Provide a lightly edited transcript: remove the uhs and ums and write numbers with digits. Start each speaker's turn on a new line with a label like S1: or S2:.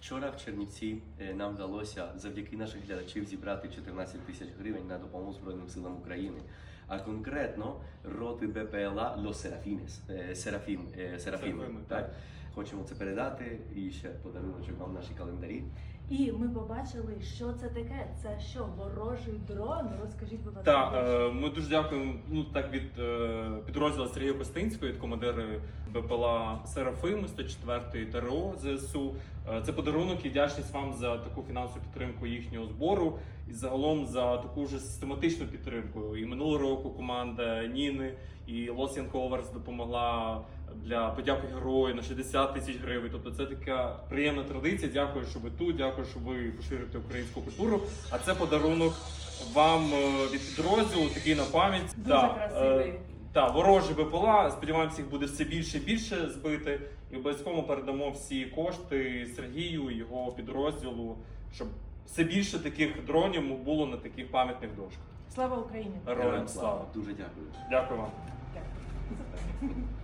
S1: Вчора в Чернівці нам вдалося завдяки наших глядачів зібрати 14 тисяч гривень на допомогу Збройним силам України. А конкретно роти БПЛА Los Serafines, Серафіми. Так? Хочемо це передати і ще подаруночок вам наші календарі.
S2: І ми побачили, що це таке. Це що, ворожий дрон? Розкажіть, будь ласка.
S3: Так, ми дуже дякуємо від підрозділу Сергія Костинського, від командира БПЛА Серафим 104-ї ТРО ЗСУ. Це подарунок і вдячність вам за таку фінансову підтримку їхнього збору і загалом за таку вже систематичну підтримку. І минулого року команда Ніни і Los Young Covers допомогла для подяки герою на 60 тисяч гривень. Тобто це така приємна традиція. Дякую, що ви тут, дякую, що ви поширюєте українську культуру. А це подарунок вам від підрозділу, такий на пам'ять.
S2: Дуже красивий.
S3: Так, ворожі БПЛА, сподіваємося, їх буде все більше і більше збити. І обов'язково передамо всі кошти Сергію і його підрозділу, щоб все більше таких дронів було на таких пам'ятних дошках.
S2: Слава Україні!
S3: Героям слава!
S1: Дуже дякую.
S3: Дякую вам.
S2: Дякую.